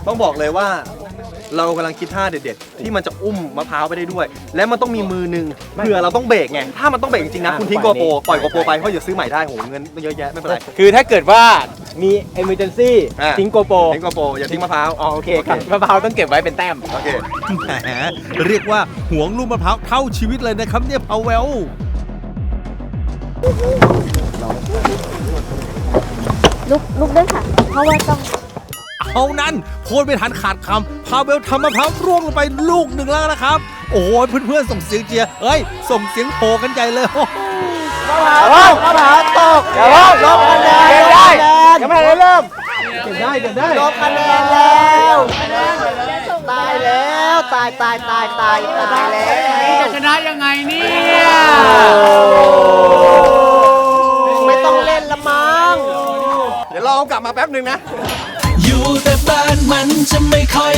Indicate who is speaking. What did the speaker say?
Speaker 1: ต้องบอกเลยว่าเรากำลังคิดท่าเด็ดๆที่มันจะอุ้มมะพร้าวไปได้ด้วย และมันต้องมีมือหนึ่งเผื่อเราต้องเบรกไงถ้ามันต้องเบรกจริงๆนะคุณทิ้งโกโปรปล่อยโกโปรไปเพราะอย่าซื้อใหม่ได้โหเงินเยอะแยะไม่เป็นไร
Speaker 2: คือถ้าเกิดว่ามี emergency ทิ้งโกโปร
Speaker 1: ทิ้งโกโปรอย่าทิ้งมะพร้าว
Speaker 2: อ๋อโอเคครับมะพร้าวต้องเก็บไว้เป็นแต้ม
Speaker 1: โอเค
Speaker 3: แหมเรียกว่าหวงลูกมะพร้าวเท่าชีวิตเลยนะครับเนี่ยพาเวล
Speaker 4: ลุกด้วยค่ะ เพราะว่าต้อง
Speaker 3: เอานั้นพูดไม่ทันขาดคำพาเวลทำมะพร้าวร่วงลงไปลูกหนึ่งแล้วนะครับ โอ้โหเพื่อนๆส่งเสียงเชียร์เอ้ยส่งเสียงโห่กันใหญ่เลยโอ้โห
Speaker 2: มะพร้าวตกเดี๋ยวลบคะแนนได้ยังไม่ได้เริ่มเก็บได้ลบคะแนนแล้วตายแล้วตายแล้วจะชนะยังไงเนี่ยไม่ต้องเล่นละมั้ง
Speaker 1: เดี๋ยวรอกลับมาแป๊บหนึ่งนะ
Speaker 5: อยู่แต่บ้านมันจะไม่ค่อย